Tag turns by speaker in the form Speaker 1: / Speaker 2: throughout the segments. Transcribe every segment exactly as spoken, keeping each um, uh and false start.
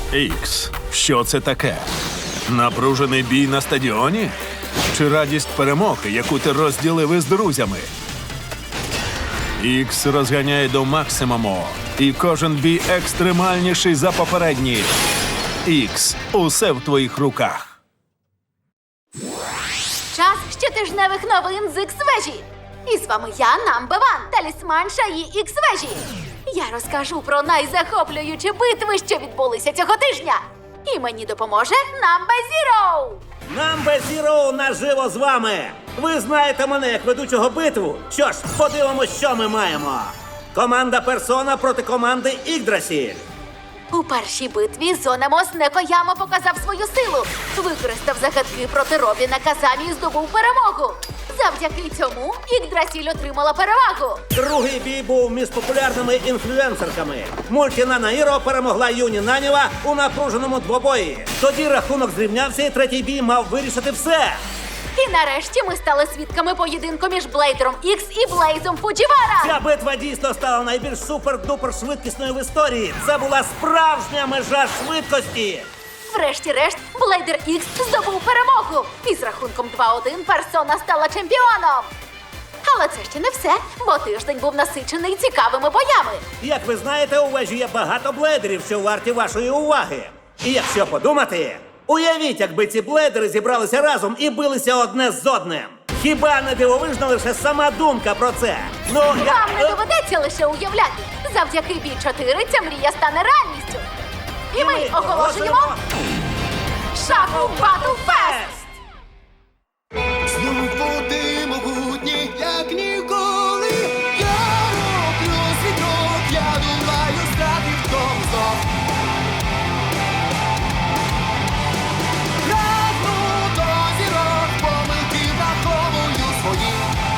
Speaker 1: Ікс, що це таке? Напружений бій на стадіоні? Чи радість перемоги, яку ти розділив із друзями? Ікс розганяє до максимуму, і кожен бій екстремальніший за попередній. Ікс, усе в твоїх руках.
Speaker 2: Час щотижневих новин з Ікс-вежі. І з вами я, Number One, талісман Шаї Ікс-вежі. Я розкажу про найзахоплюючі битви, що відбулися цього тижня. І мені допоможе Number Zero.
Speaker 3: Number Zero наживо з вами! Ви знаєте мене як ведучого битву. Що ж, подивимось, що ми маємо. Команда Персона проти команди Ігдрасіль.
Speaker 2: У першій битві Зонемос Некояма показав свою силу. Використав загадки проти Робіна Казамі і здобув перемогу. Завдяки цьому Ігдрасіль отримала перевагу.
Speaker 3: Другий бій був між популярними інфлюенсерками. Мультіна Наїро перемогла Юні Наніва у напруженому двобої. Тоді рахунок зрівнявся і третій бій мав вирішити все.
Speaker 2: І нарешті ми стали свідками поєдинку між Блейдером Ікс і Блейзом Фуджівара.
Speaker 3: Ця битва дійсно стала найбільш супер-дупер швидкісною в історії. Це була справжня межа швидкості.
Speaker 2: Врешті-решт, Блейдер Ікс здобув перемогу. І з рахунком два один Персона стала чемпіоном. Але це ще не все, бо тиждень був насичений цікавими боями.
Speaker 3: Як ви знаєте, у вежі є багато блейдерів, що варті вашої уваги. І якщо подумати, уявіть, якби ці блейдери зібралися разом і билися одне з одним. Хіба не дивовижна лише сама думка про це? Ну, я...
Speaker 2: Вам не доведеться лише уявляти. Завдяки бій чотири ця мрія стане реальністю. І ми оголошуємо Shuffle Battle Fest!
Speaker 4: Знов води могутні, як ніколи. Я роблю світок, я думаю, стати в тому знов. Прагну до зірок, помилки враховую свої.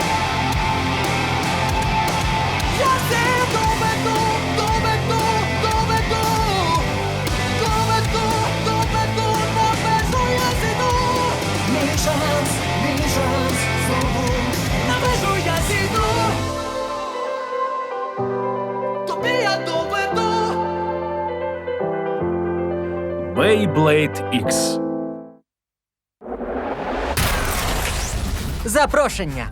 Speaker 4: Я все доведу, доведу, доведу. Доведу, доведу, на межу я зійду. Мій шанс, мій шанс, знову на межу я зійду. Тобі я доведу.
Speaker 1: Beyblade Ікс.
Speaker 5: Запрошення.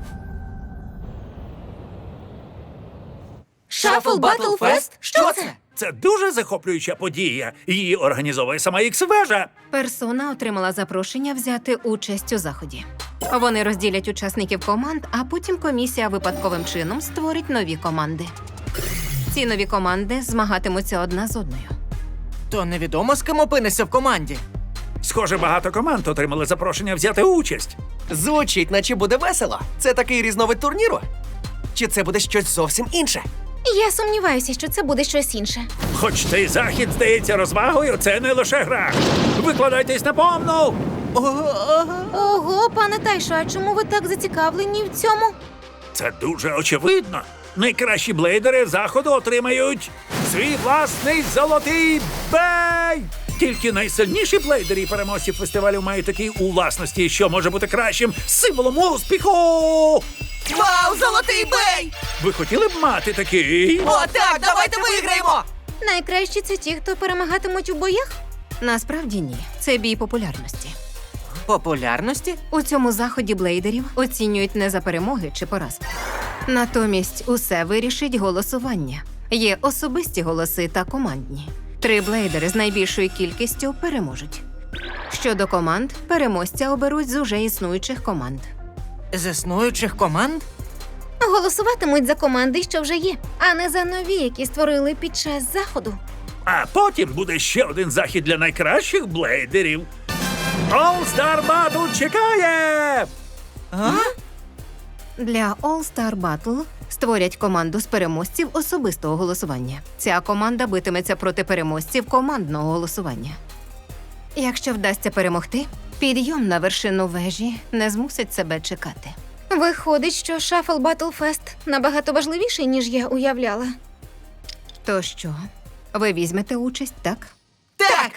Speaker 2: Shuffle Battle Fest? Що це?
Speaker 6: Це дуже захоплююча подія. Її організовує сама Ікс-вежа.
Speaker 7: Персона отримала запрошення взяти участь у заході. Вони розділять учасників команд, а потім комісія випадковим чином створить нові команди. Ці нові команди змагатимуться одна з одною.
Speaker 5: То невідомо, з ким опинишся в команді.
Speaker 6: Схоже, багато команд отримали запрошення взяти участь.
Speaker 8: Звучить, наче буде весело. Це такий різновид турніру? Чи це буде щось зовсім інше?
Speaker 9: Я сумніваюся, що це буде щось інше.
Speaker 6: Хоч цей захід здається розвагою, це не лише гра. Викладайтесь на повну!
Speaker 9: Ого, пане Тайшо, а чому ви так зацікавлені в цьому?
Speaker 6: Це дуже очевидно. Найкращі блейдери заходу отримають свій власний золотий бей! Тільки найсильніші блейдери і переможці фестивалю мають такі у власності, що може бути кращим символом успіху!
Speaker 8: Вау, золотий бей!
Speaker 6: Ви хотіли б мати такий?
Speaker 8: О, так, давайте виграємо!
Speaker 9: Найкращі це ті, хто перемагатимуть у боях?
Speaker 7: Насправді ні. Це бій популярності.
Speaker 5: Популярності?
Speaker 7: У цьому заході блейдерів оцінюють не за перемоги чи поразки. Натомість усе вирішить голосування. Є особисті голоси та командні. Три блейдери з найбільшою кількістю переможуть. Щодо команд, переможця оберуть з уже існуючих команд.
Speaker 5: З існуючих команд?
Speaker 9: Голосуватимуть за команди, що вже є, а не за нові, які створили під час заходу.
Speaker 6: А потім буде ще один захід для найкращих блейдерів. All Star Battle чекає!
Speaker 5: А?
Speaker 7: Для All Star Battle створять команду з переможців особистого голосування. Ця команда битиметься проти переможців командного голосування. Якщо вдасться перемогти, підйом на вершину вежі не змусить себе чекати.
Speaker 9: Виходить, що Shuffle Battle Fest набагато важливіший, ніж я уявляла.
Speaker 7: То що, ви візьмете участь, так?
Speaker 8: Так!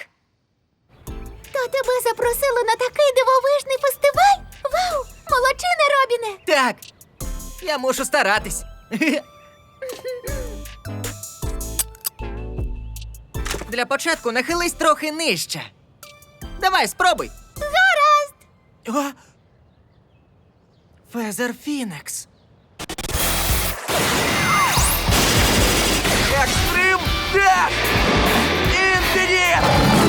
Speaker 9: То тебе запросили на такий дивовижний фестиваль? Вау! Молодчина, Робіне!
Speaker 8: Так! Я мушу старатись.
Speaker 5: Для початку нахились трохи нижче. Давай, спробуй.
Speaker 9: Гаразд!
Speaker 5: О! Фезер Фінекс.
Speaker 8: Екстрим Деш! Інфініт!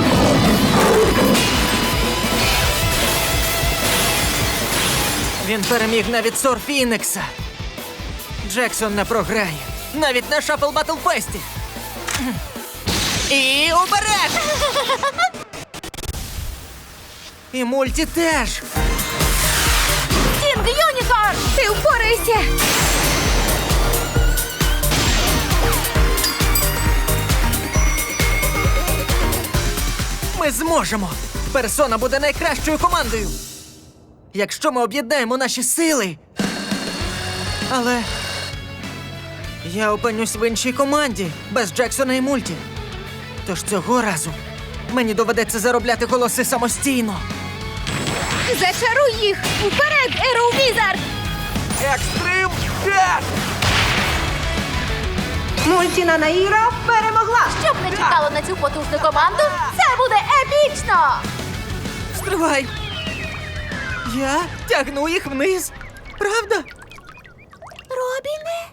Speaker 5: Він переміг навіть Сор Фінекса. Джексон не програє. Навіть на Шафл Батл Фесті. І уперед! І мульті теж.
Speaker 2: Стінг Юнікорн!
Speaker 9: Ти впорайся!
Speaker 5: Ми зможемо! Персона буде найкращою командою! Якщо ми об'єднаємо наші сили. Але я опинюсь в іншій команді без Джексона і Мульті. Тож цього разу мені доведеться заробляти голоси самостійно.
Speaker 9: Зачаруй їх! Уперед, Ероу Візард!
Speaker 8: Екстрим Деш!
Speaker 9: Мультіна Наїра перемогла!
Speaker 2: Щоб не чекало на цю потужну команду, це буде епічно!
Speaker 5: Стривай! Я тягну їх вниз. Правда?
Speaker 9: Робіне?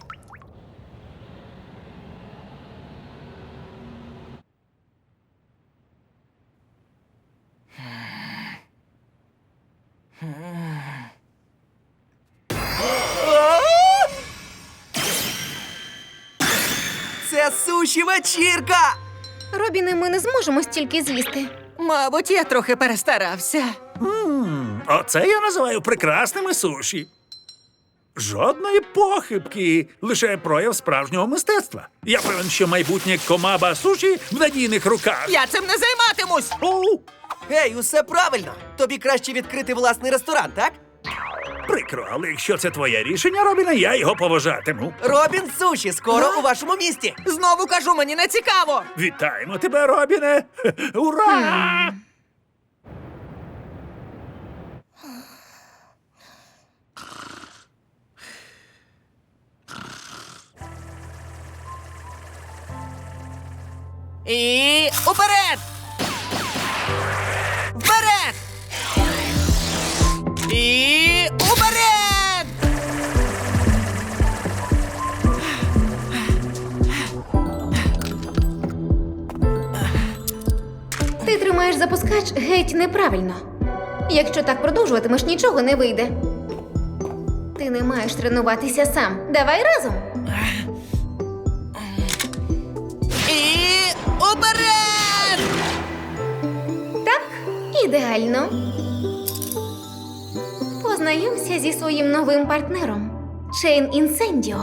Speaker 8: Це суші вечірка!
Speaker 9: Робіне, ми не зможемо стільки з'їсти.
Speaker 5: Мабуть, я трохи перестарався.
Speaker 6: Ммм, оце я називаю прекрасними суші. Жодної похибки, лише прояв справжнього мистецтва. Я певен, що майбутнє комаба суші в надійних руках.
Speaker 5: Я цим не займатимусь!
Speaker 6: Оу,
Speaker 8: Гей, усе правильно! Тобі краще відкрити власний ресторан, так?
Speaker 6: прикро, але якщо це твоє рішення, Робіне, я його поважатиму.
Speaker 8: Робін Суші скоро у вашому місті!
Speaker 5: Знову кажу, мені не цікаво!
Speaker 6: Вітаємо тебе, Робіне! Ура!
Speaker 5: І уперед! Вперед! І уперед!
Speaker 9: Ти тримаєш запускач геть неправильно. Якщо так продовжуватимеш, нічого не вийде. Ти не маєш тренуватися сам. Давай разом.
Speaker 5: І уперед!
Speaker 9: Так, ідеально. Познайомся зі своїм новим партнером Чейн Інсендіо.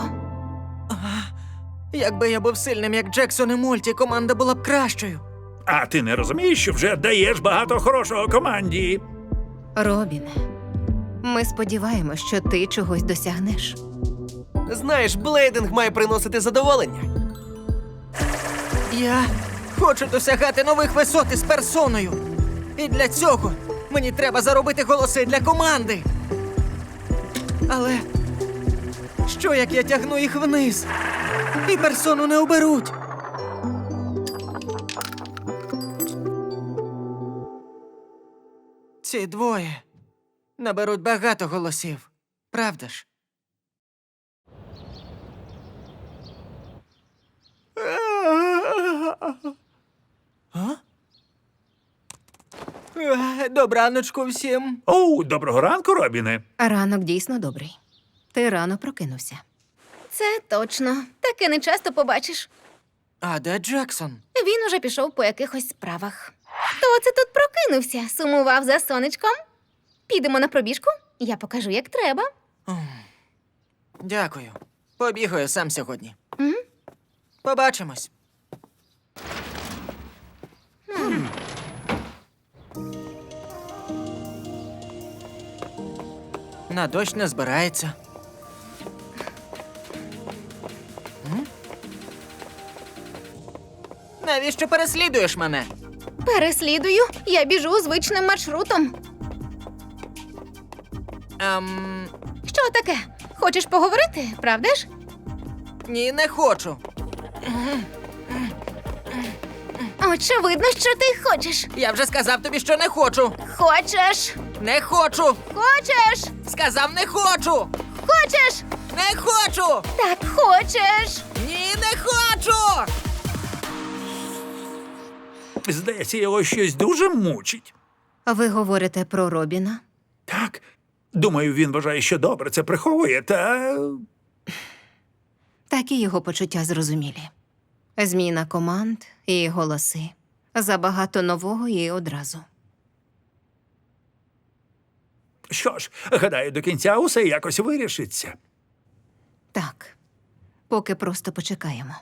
Speaker 5: Якби я був сильним, як Джексон і Мульті, команда була б кращою.
Speaker 6: А ти не розумієш, що вже даєш багато хорошого команді?
Speaker 7: Робіне, ми сподіваємось, що ти чогось досягнеш.
Speaker 8: Знаєш, блейдинг має приносити задоволення.
Speaker 5: Я хочу досягати нових висот із персоною. І для цього мені треба заробити голоси для команди. Але що, як я тягну їх вниз? І персону не оберуть. Ці двоє наберуть багато голосів. Правда ж? А? Е, Добраночку всім.
Speaker 6: Оу, доброго ранку, Робіне.
Speaker 7: Ранок дійсно добрий. Ти рано прокинувся.
Speaker 9: Це точно. Таке не часто побачиш.
Speaker 5: А де Джексон?
Speaker 9: Він уже пішов по якихось справах. Хто це тут прокинувся? Сумував за сонечком? Підемо на пробіжку? Я покажу, як треба.
Speaker 5: Дякую. Побігаю сам сьогодні.
Speaker 9: М?
Speaker 5: Побачимось. На дощ не збирається. М? Навіщо переслідуєш мене?
Speaker 9: Переслідую. Я біжу звичним маршрутом.
Speaker 5: Ем,
Speaker 9: Що таке? Хочеш поговорити, правда ж?
Speaker 5: ні, не хочу.
Speaker 9: Очевидно, що ти хочеш.
Speaker 5: Я вже сказав тобі, що не хочу.
Speaker 9: Хочеш.
Speaker 5: Не хочу.
Speaker 9: Хочеш.
Speaker 5: Сказав, не хочу.
Speaker 9: Хочеш.
Speaker 5: Не хочу.
Speaker 9: Так хочеш.
Speaker 5: Ні, не хочу.
Speaker 6: Здається, його щось дуже мучить.
Speaker 7: Ви говорите про Робіна?
Speaker 6: Так, думаю, він вважає, що добре це приховує, та
Speaker 7: Такі його почуття зрозумілі. Зміна команд і голоси. Забагато нового і одразу.
Speaker 6: що ж, гадаю, до кінця усе якось вирішиться.
Speaker 7: Так. Поки просто почекаємо.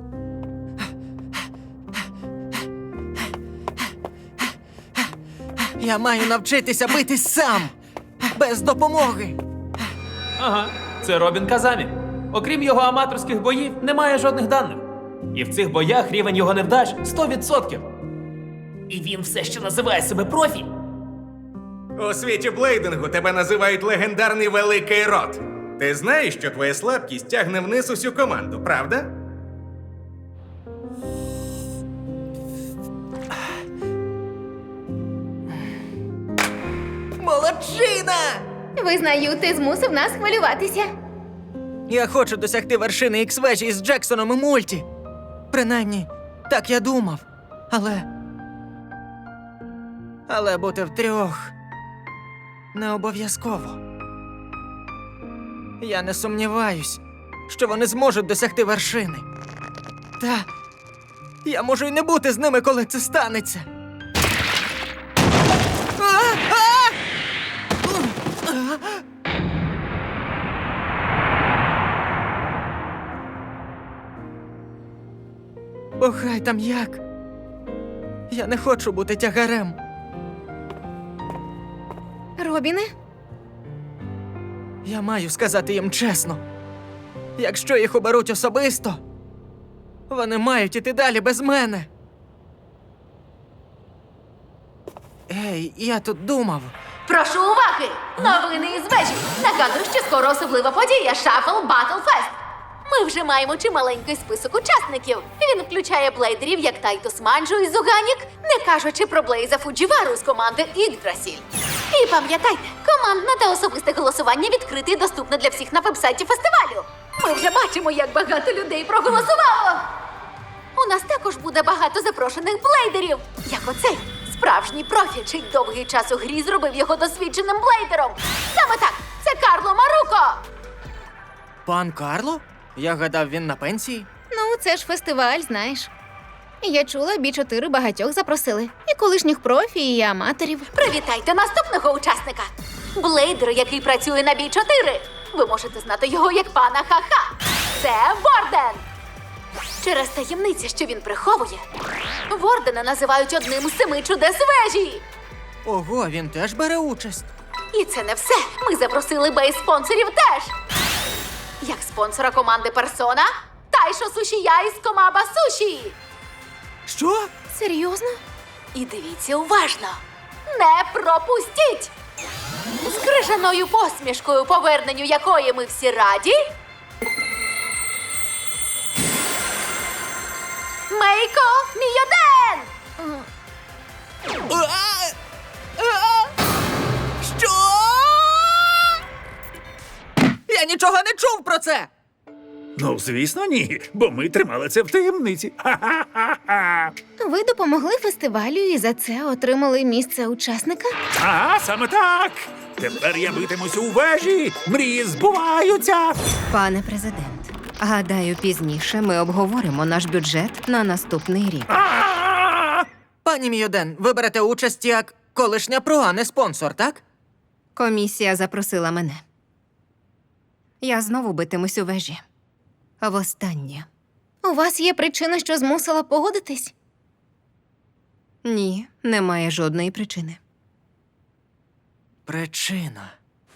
Speaker 5: Я маю навчитися битись сам. Без допомоги.
Speaker 10: Ага, це Робін Казамі. Окрім його аматорських боїв, немає жодних даних. І в цих боях рівень його невдач сто відсотків. І він все ще називає себе профі.
Speaker 11: У світі блейдингу тебе називають легендарний великий рот. Ти знаєш, що твоя слабкість тягне вниз усю команду, правда?
Speaker 5: Молодчина!
Speaker 9: Визнаю, ти змусив нас хвилюватися.
Speaker 5: Я хочу досягти вершини ікс-вежі із Джексоном і Мульті. Принаймні, так я думав. Але. Але бути втрьох не обов'язково. Я не сумніваюсь, що вони зможуть досягти вершини. Та я можу й не бути з ними, коли це станеться. А! А! О, хай там як. Я не хочу бути тягарем.
Speaker 9: Робіне,
Speaker 5: Я маю сказати їм чесно. Якщо їх оберуть особисто, вони мають іти далі без мене. Ей, я тут думав.
Speaker 2: Прошу уваги! Новини із вежі! Нагадую, що скоро особлива подія Shuffle Battle Fest. Ми вже маємо чималенький список учасників. Він включає блейдерів, як Тайтус Манджу і Зуганік, не кажучи про Блейза Фуджівару з команди Ігдрасіль. І пам'ятайте, командне та особисте голосування відкрите і доступне для всіх на вебсайті фестивалю. Ми вже бачимо, як багато людей проголосувало. У нас також буде багато запрошених блейдерів, як оцей. Справжній профі, чий довгий час у грі зробив його досвідченим блейдером. Саме так, це Карло Маруко.
Speaker 5: Пан Карло? Я гадав, він на пенсії.
Speaker 9: ну це ж фестиваль, знаєш. Я чула, бі чотири багатьох запросили. І колишніх профі, і аматорів.
Speaker 2: Привітайте наступного учасника. Блейдер, який працює на бі чотири. Ви можете знати його як пана Ха-Ха. Це Ворден. Через таємниці, що він приховує, Вордена називають одним з семи чудес вежі.
Speaker 5: Ого, він теж бере участь.
Speaker 2: І це не все. Ми запросили бейс-спонсорів теж. Як спонсора команди Персона, Тайшо Сушія із Комаба Суші.
Speaker 5: Що?
Speaker 9: Серйозно?
Speaker 2: І дивіться уважно. Не пропустіть! З крижаною посмішкою, поверненню якої ми всі раді. Мейко Мійоден!
Speaker 5: А! А! Що? Я нічого не чув про це!
Speaker 6: Ну, звісно, ні, бо ми тримали це в таємниці. Ха-ха-ха-ха.
Speaker 9: Ви допомогли фестивалю і за це отримали місце учасника?
Speaker 6: Ага, саме так. Тепер я битимусь у вежі, мрії збуваються.
Speaker 7: Пане президент, гадаю, пізніше ми обговоримо наш бюджет на наступний рік.
Speaker 6: А!
Speaker 5: Пані Мійоден, ви берете участь як колишня про, а не спонсор, так?
Speaker 7: Комісія запросила мене. Я знову битимусь у вежі. Востаннє.
Speaker 9: У вас є причина, що змусила погодитись?
Speaker 7: Ні, немає жодної причини.
Speaker 5: Причина.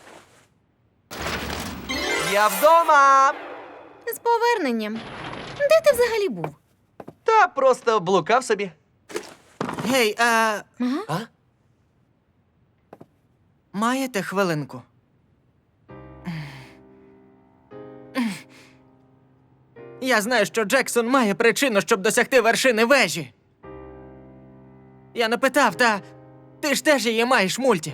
Speaker 8: Я вдома!
Speaker 9: З поверненням. Де ти взагалі був?
Speaker 8: Та просто блукав собі.
Speaker 5: Гей, а...
Speaker 8: А?
Speaker 5: маєте хвилинку? Я знаю, що Джексон має причину, щоб досягти вершини вежі. Я не питав, та ти ж теж її маєш, мульті.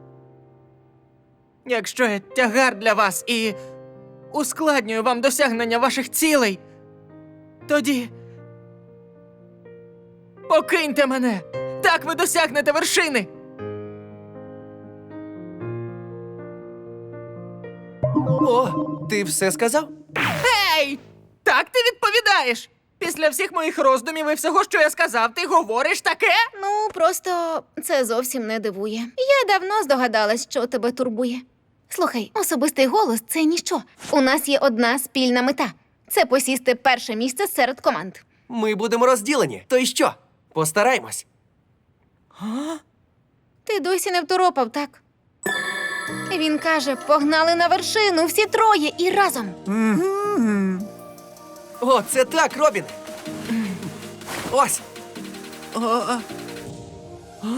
Speaker 5: Якщо я тягар для вас і ускладнюю вам досягнення ваших цілей, тоді покиньте мене. Так ви досягнете вершини.
Speaker 8: О, ти все сказав?
Speaker 5: Ей! Так ти відповідаєш? Після всіх моїх роздумів і всього, що я сказав, ти говориш таке?
Speaker 9: Ну, просто це зовсім не дивує. Я давно здогадалась, що тебе турбує. Слухай, особистий голос це ніщо. У нас є одна спільна мета це посісти перше місце серед команд.
Speaker 8: Ми будемо розділені. То й що? Постараємось.
Speaker 9: Ти досі не второпав, так? Він каже, погнали на вершину всі троє і разом.
Speaker 8: О, це так, Робіне. Ось.
Speaker 5: О, а. А?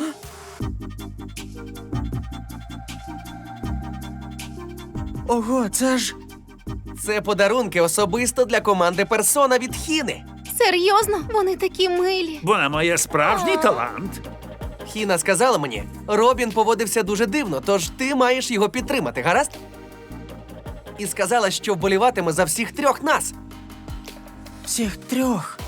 Speaker 5: Ого, це ж.
Speaker 8: Це подарунки особисто для команди Персона від Хіни.
Speaker 9: Серйозно? Вони такі милі.
Speaker 6: Вона має справжній талант.
Speaker 8: Хіна сказала мені, Робін поводився дуже дивно, тож ти маєш його підтримати, гаразд? І сказала, що вболіватиме за всіх трьох нас.
Speaker 5: Всіх трьох.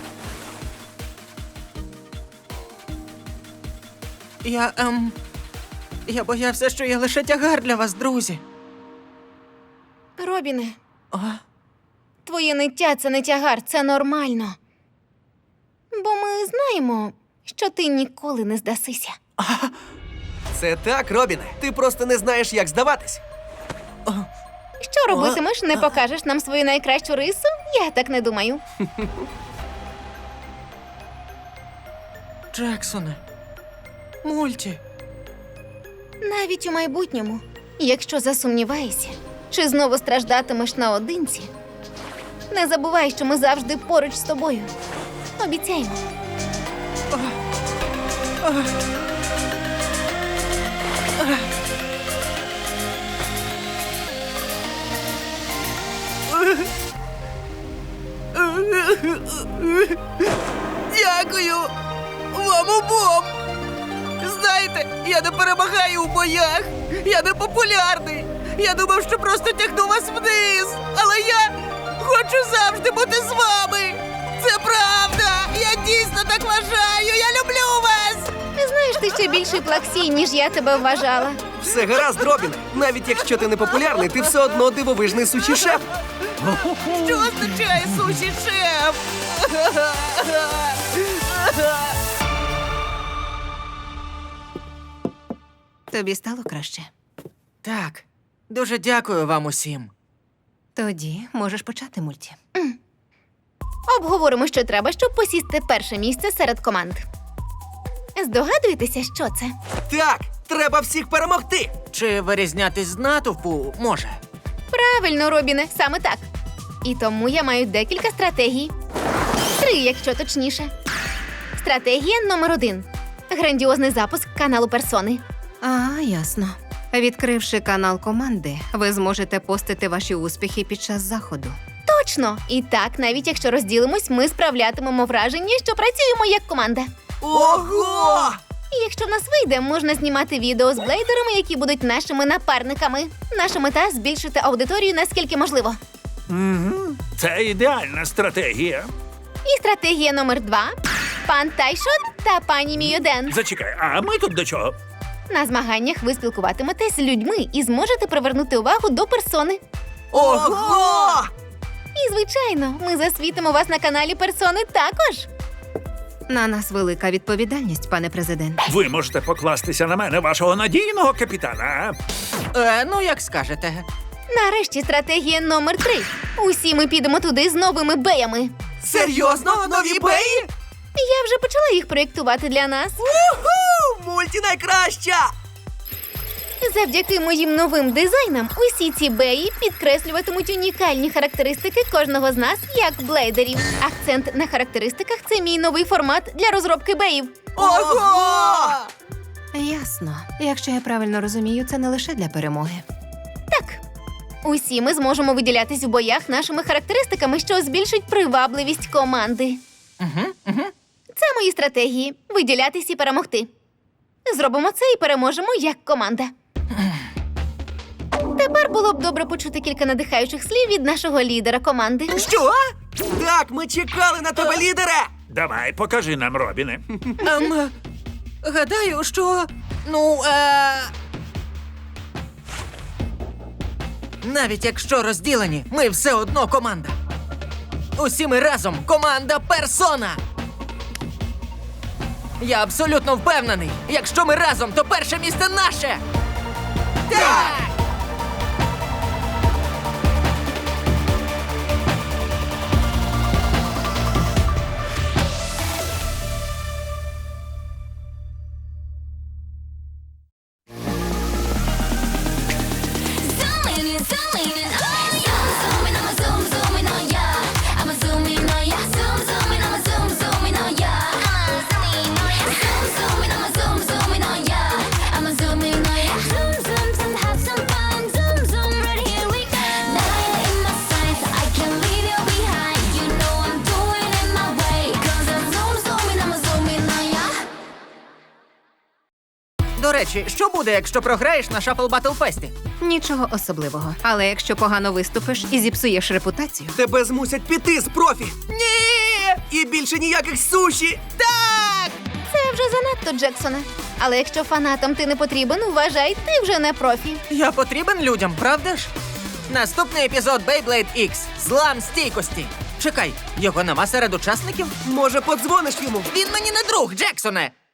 Speaker 5: Я, ем... Я боявся, що я лише тягар для вас, друзі.
Speaker 9: Робіне,
Speaker 5: А?
Speaker 9: твоє ниття – це не тягар, це нормально. Бо ми знаємо, що ти ніколи не здасися.
Speaker 8: Це так, Робіне. Ти просто не знаєш, як здаватись.
Speaker 9: Що робитимеш? Не покажеш нам свою найкращу рису? Я так не думаю.
Speaker 5: Джексоне. Мульті.
Speaker 9: Навіть у майбутньому, якщо засумніваєшся, чи знову страждатимеш наодинці, не забувай, що ми завжди поруч з тобою. Обіцяємо.
Speaker 5: Дякую вам обом. Знаєте, я не перемагаю у боях. Я не популярний. Я думав, що просто тягну вас вниз. Але я хочу завжди бути з вами. Це правда. Я дійсно так вважаю. Я люблю вас.
Speaker 9: Знаєш, ти ще більший плаксій, ніж я тебе вважала.
Speaker 8: Все гаразд, Робіне. Навіть якщо ти не популярний, ти все одно дивовижний суші-шеф.
Speaker 5: Що означає суші-шеф?
Speaker 7: Тобі стало краще?
Speaker 5: Так, дуже дякую вам усім.
Speaker 7: Тоді можеш почати, мульті.
Speaker 9: Обговоримо, що треба, щоб посісти перше місце серед команд. Здогадуєтеся, що це?
Speaker 8: Так, треба всіх перемогти.
Speaker 5: Чи вирізнятись з натовпу може?
Speaker 9: Правильно, Робіне, саме так. І тому я маю декілька стратегій. Три, якщо точніше. Стратегія номер один. Грандіозний запуск каналу Персони.
Speaker 7: А, ясно. Відкривши канал команди, ви зможете постити ваші успіхи під час заходу.
Speaker 9: Точно! І так, навіть якщо розділимось, ми справлятимемо враження, що працюємо як команда.
Speaker 8: Ого!
Speaker 9: І якщо в нас вийде, можна знімати відео з блейдерами, які будуть нашими напарниками. Наша мета – збільшити аудиторію наскільки можливо.
Speaker 6: Це ідеальна стратегія.
Speaker 9: І стратегія номер два – пан Тайшот та пані Мійоден.
Speaker 6: Зачекай, а ми тут до чого?
Speaker 9: На змаганнях ви спілкуватиметесь з людьми і зможете привернути увагу до персони.
Speaker 8: Ого!
Speaker 9: І, звичайно, ми засвітимо вас на каналі Персони також.
Speaker 7: На нас велика відповідальність, пане президент.
Speaker 6: Ви можете покластися на мене, вашого надійного капітана.
Speaker 5: Е, ну, як скажете.
Speaker 9: Нарешті стратегія номер три. Усі ми підемо туди з новими беями.
Speaker 8: Серйозно? Нові беї?
Speaker 9: Я вже почала їх проєктувати для нас.
Speaker 8: Уху! Мульті найкраща!
Speaker 9: Завдяки моїм новим дизайнам усі ці беї підкреслюватимуть унікальні характеристики кожного з нас як блейдерів. Акцент на характеристиках – це мій новий формат для розробки беїв.
Speaker 8: Ого!
Speaker 7: Ясно. Якщо я правильно розумію, це не лише для перемоги.
Speaker 9: Так, усі ми зможемо виділятись у боях нашими характеристиками, що збільшить привабливість команди.
Speaker 5: Угу, угу.
Speaker 9: Це мої стратегії виділятись і перемогти. Зробимо це і переможемо як команда. Тепер було б добре почути кілька надихаючих слів від нашого лідера команди.
Speaker 8: Що? Так, ми чекали на тебе, лідере!
Speaker 6: Давай, покажи нам, Робіне.
Speaker 5: Ем, гадаю, що. Ну, е... навіть якщо розділені, ми все одно команда. Усі ми разом команда Персона. Я абсолютно впевнений, якщо ми разом, то перше місце наше. Так!
Speaker 4: Zooming in, zooming in, oh yeah. Zooming, I'ma zoom, zooming, oh yeah. I'ma zoom in, oh yeah. Zoom, zooming, I'ma zoom, zooming, oh yeah. I'ma zoom in, oh yeah. Zoom, zooming, I'ma zoom, zooming, oh yeah. I'ma zoom in, oh yeah. Zoom, zoom, zoom, have some fun. Zoom, zoom, right here we go. Nine in my sights, I can't leave you behind. You know I'm doing it my way. 'Cause I'm zoom, zooming, I'ma zoom in, oh yeah.
Speaker 5: До речі, що буде, якщо програєш на Shuffle Battle Fest?
Speaker 7: Нічого особливого. Але якщо погано виступиш і зіпсуєш репутацію,
Speaker 8: Тебе змусять піти з профі. Ні! І більше ніяких суші. Так!
Speaker 9: Це вже занадто, Джексоне. Але якщо фанатам ти не потрібен, вважай, ти вже не профі.
Speaker 5: Я потрібен людям, правда ж? Наступний епізод Beyblade X. Злам стійкості. Чекай, його нема серед учасників?
Speaker 8: Може, подзвониш йому?
Speaker 5: Він мені не друг, Джексоне!